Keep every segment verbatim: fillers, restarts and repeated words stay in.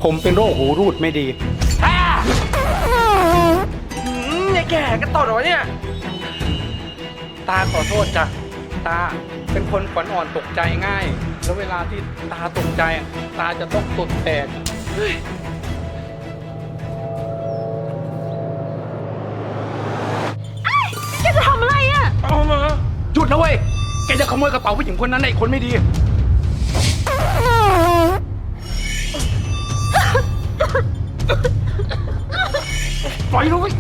ผมเป็นโรคหูรูดไม่ดีอ่าหืมไอ้แก่ก็ต่อหรอเนี่ยตาขอโทษจ้ะตาเป็นคนขวัญอ่อนตกใจง่าย แล้วเวลาที่ตาตกใจอะตาจะต้องตดแตกเฮ้ยแกจะทำอะไรอ่ะเอามาหยุดนะเว้ยแกจะขโมยกระเป๋าผู้หญิงคนนั้นไอ้คนไม่ดีปล่อยเลย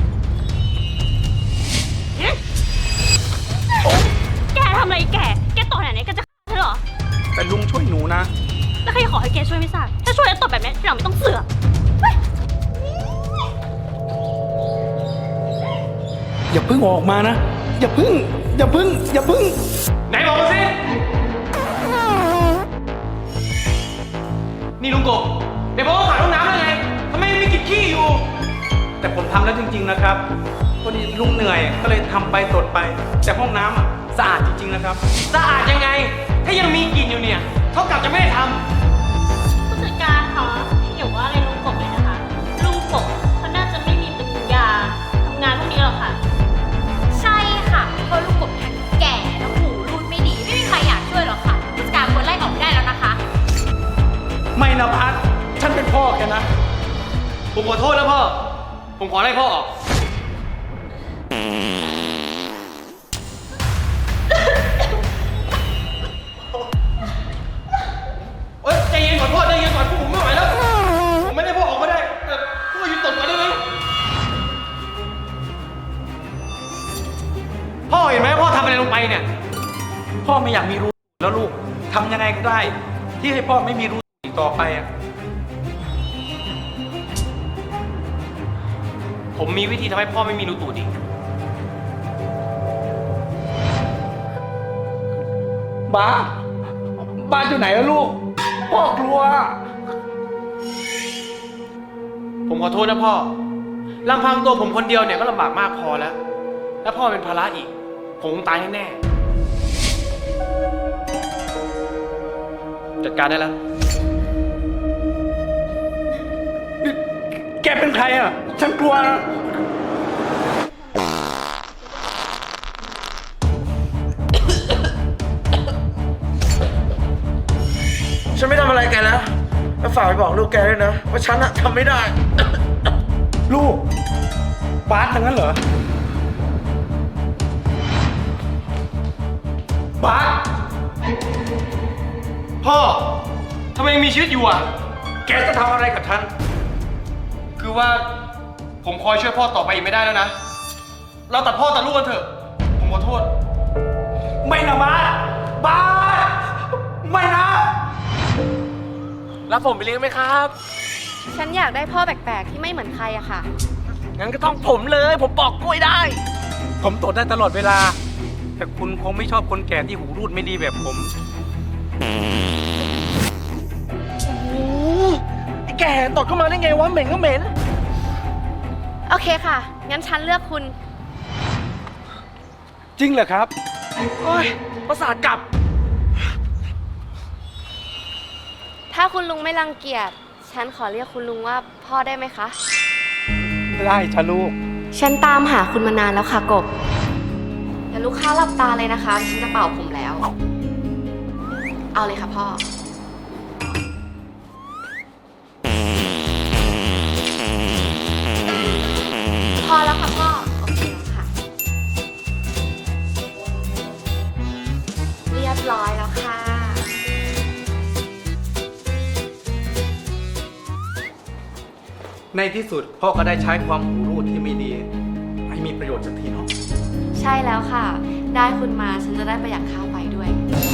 แกทำอะไรแกแกต่อไหนเนี่ยแกจะฆ่าฉันเหรอแต่ลุงช่วยหนูนะแล้วใครขอให้แกช่วยไม่ทราบถ้าช่วยแล้วตบแบบนี้ที่เราไม่ต้องเสือกอย่าเพิ่งออกมานะอย่าเพิ่งอย่าเพิ่งอย่าเพิ่งไหนบอกมาสินี่ลุงกบเดี๋ยวบอกว่าขาดห้องน้ำได้ไงทำไมไม่กินขี้อยู่แต่ผมทำแล้วจริงๆนะครับพอดีลุงเหนื่อยก็เลยทำไปตดไปแต่ห้องน้ำอ่ะสะอาดจริงๆนะครับสะอาดยังไงถ้ายังมีกลิ่นอยู่เนี่ยเท่ากับจะไม่ได้ทำผู้จัดการคะอย่าว่าอะไรลุงกบเลยนะคะลุงกบเขาน่าจะไม่มีปัญญาทำงานพวกนี้หรอกค่ะใช่ค่ะเพราะลูกกบทั้งแก่แล้วหูรูดไม่ดีไม่มีใครอยากช่วยหรอกค่ะผู้จัดการควรไล่ออกได้แล้วนะคะไม่นะพัดฉันเป็นพ่อแกนะผมขอโทษนะพ่อผมขอไล่พ่อออกเอ้ยใจเย็นขอโทษใจเย็นก่อนพวกผมไม่ไหวแล้วผมไม่ได้พ่อออกมาได้แต่พวกเราหยุดตดก่อนได้ไหมพ่อเห็นไหมพ่อทำอะไรลงไปเนี่ยพ่อไม่อยากมีรูแล้วลูกทำยังไงก็ได้ที่ให้พ่อไม่มีรูอีกต่อไปอ่ะผมมีวิธีทำให้พ่อไม่มีรูตูดอีกบ้าบ้านอยู่ไหนแล้วลูกพ่อกลัวผมขอโทษนะพ่อลำพังตัวผมคนเดียวเนี่ยก็ลำบากมากพอแล้วแล้วพ่อเป็นภาระอีกผมคงตายแน่ๆจัดการได้แล้วแกเป็นใครอ่ะฉันกลัวนะฉันไม่ทำอะไรแกแล้วแล้วฝากไปบอกลูกแกด้วยนะว่าฉันอะทำไม่ได้ลูกบาสทั้งนั้นเหรอบาสพ่อทำไมยังมีชีวิตอยู่อ่ะแกจะทำอะไรกับฉันคือว่าผมคอยช่วยพ่อต่อไปอีกไม่ได้แล้วนะเราตัดพ่อตัดลูกกันเถอะผมขอโทษไม่นะบาสบาสไม่นะรับผมไปเลี้ยงไหมครับฉันอยากได้พ่อแปลกๆที่ไม่เหมือนใครอะค่ะงั้นก็ต้องผมเลยผมบอกกล้วยได้ผมตดได้ตลอดเวลาแต่คุณคงไม่ชอบคนแก่ที่หูรูดไม่ดีแบบผมโอ้ไอ้แก่ตดเข้ามาได้ไงวะเหม็นก็เหม็นโอเคค่ะงั้นฉันเลือกคุณจริงเหรอครับโอ้ยประสาทกลับถ้าคุณลุงไม่รังเกียจฉันขอเรียกคุณลุงว่าพ่อได้ไหมคะได้จ้ะลูกฉันตามหาคุณมานานแล้วค่ะกบแล้วลูกค้าหลับตาเลยนะคะฉันจะเป่าผมแล้วเอาเลยค่ะพ่อพอแล้วค่ะพ่อโอเคแล้วค่ะเรียบร้อยแล้วค่ะในที่สุดพ่อก็ได้ใช้ความหูรูดที่ไม่ดีให้มีประโยชน์สักทีเนาะใช่แล้วค่ะได้คุณมาฉันจะได้ประหยัดค่าไฟด้วย